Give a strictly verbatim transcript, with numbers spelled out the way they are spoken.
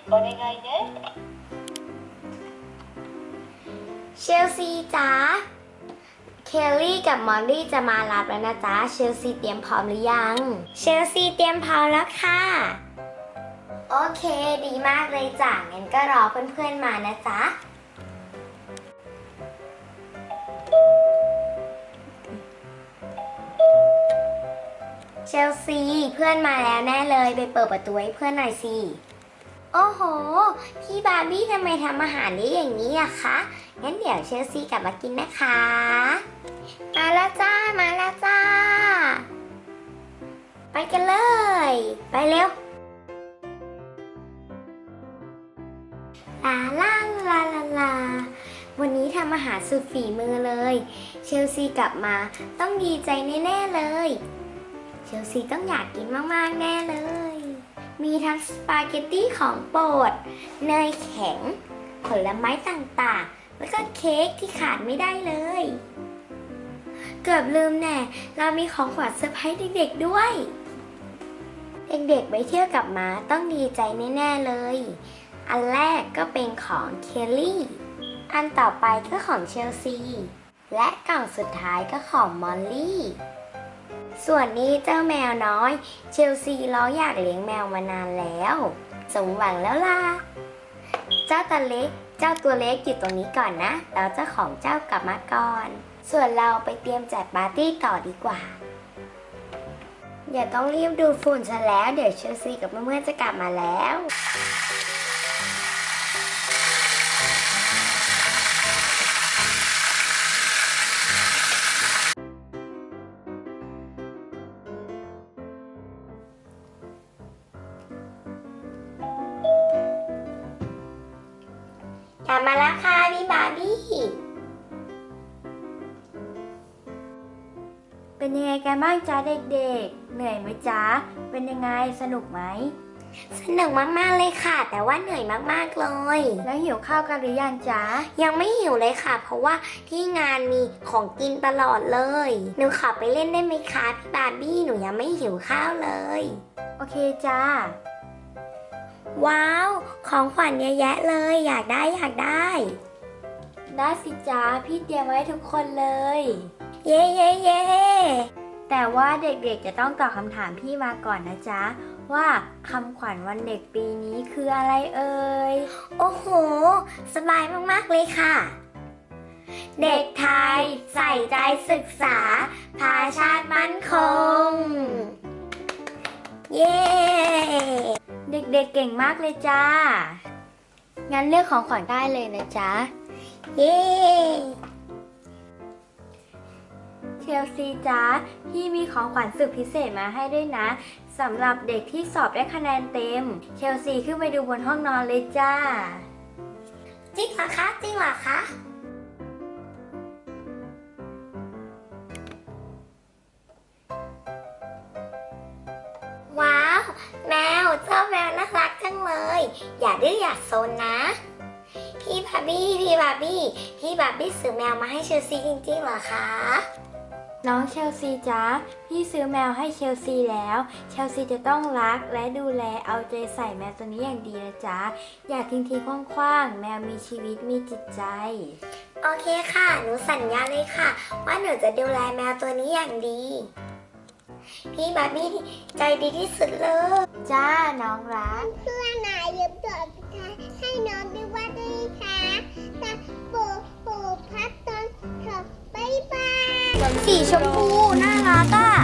お願いねเชลซีจ๋าเคลลี่กับมอลลี่จะมารับแล้วนะจ๊ะเชลซีเตรียมพร้อมหรือยังเชลซีเตรียมพร้อมแล้วค่ะโอเคดีมากเลยจ้ะงั้นก็รอเพื่อนๆมานะจ๊ะเชลซีเพื่อนมาแล้วแน่เลยไปเปิดประตูให้เพื่อนหน่อยสิโอ้โหพี่บาร์บี้ทำไมทำอาหารได้อย่างนี้อะคะงั้นเดี๋ยวเชลซีกลับมากินนะคะมาแล้วจ้ามาแล้วจ้าไปกันเลยไปเร็วลาลาลาลาลาวันนี้ทำอาหารสุดฝีมือเลยเชลซีกลับมาต้องดีใจแน่ๆเลยเชลซีต้องอยากกินมากๆแน่เลยมีทั้งสปาเกตตี้ของโปรดเนยแข็งผลไม้ต่างๆแล้วก็เค้กที่ขาดไม่ได้เลยเกือบลืมแน่เรามีของขวัญเซอร์ไพรส์เด็กๆด้วยเด็กๆไปเที่ยวกับม้าต้องดีใจแน่ๆเลยอันแรกก็เป็นของเคลลี่อันต่อไปก็ของเชลซีและกล่องสุดท้ายก็ของมอลลี่ส่วนนี้เจ้าแมวน้อยเชลซีร้องอยากเลี้ยงแมวมานานแล้วสมหวังแล้วล่ะเจ้าตัวเล็กเจ้าตัวเล็กอยู่ตรงนี้ก่อนนะแล้วเจ้าของเจ้ากลับมาก่อนส่วนเราไปเตรียมจัดปาร์ตี้ต่อดีกว่าอย่าต้องรีบดูฝุ่นซะแล้วเดี๋ยวเชลซีกับเพื่อนๆจะกลับมาแล้วกลับมาแล้วค่ะพี่บาร์บี้เป็นยังไงกันบ้างจ๊ะเด็กๆเหนื่อยไหมจ๊ะเป็นยังไงสนุกไหมสนุกมากๆเลยค่ะแต่ว่าเหนื่อยมากๆเลยแล้วหิวข้าวกันหรือยังจ๊ะยังไม่หิวเลยค่ะเพราะว่าที่งานมีของกินตลอดเลยหนูขอไปเล่นได้ไหมคะพี่บาร์บี้หนูยังไม่หิวข้าวเลยโอเคจ้าว้าวของขวัญเยอะแยะเลยอยากได้อยากได้ได้สิจ้าพี่เตรียมไว้ทุกคนเลยเย้เย้เย้แต่ว่าเด็กๆจะต้องตอบคำถามพี่มาก่อนนะจ๊ะว่าคำขวัญวันเด็กปีนี้คืออะไรเอ่ยโอ้โหสบายมากๆเลยค่ะเด็กไทยใส่ใจศึกษาพาชาติมั่นคงเย้เด็กๆ เก่งมากเลยจ้างั้นเลือกของขวัญได้เลยนะจ๊ะเย้เชลซีจ้าพี่มีของขวัญสุดพิเศษมาให้ด้วยนะสำหรับเด็กที่สอบได้คะแนนเต็มเชลซีขึ้นไปดูบนห้องนอนเลยจ้าจริงเหรอคะจริงเหรอคะว้าวแมวเจ้าแมวน่ารักจังเลยอย่าดื้ออย่าซนนะพี่บาร์บี้พี่บาร์บี้พี่บาร์บี้ซื้อแมวมาให้เชลซีจริงๆเหรอคะน้องเชลซีจ้าพี่ซื้อแมวให้เชลซีแล้วเชลซีจะต้องรักและดูแลเอาใจใส่แมวตัวนี้อย่างดีนะจ๊ะอย่าทิ้งทิ้งคว่างๆแมวมีชีวิตมีจิตใจโอเคค่ะหนูสัญญาเลยค่ะว่าหนูจะดูแลแมวตัวนี้อย่างดีพี่บาร์บี้ใจดีที่สุดเลยจ้าน้องรักเพื่อนนายยืมตัวให้น้องด้วยว่าได้ค่ะแต่โปโปพัดตอนเถอะบ๊ายบายสีชมพูน่ารักอ่ะ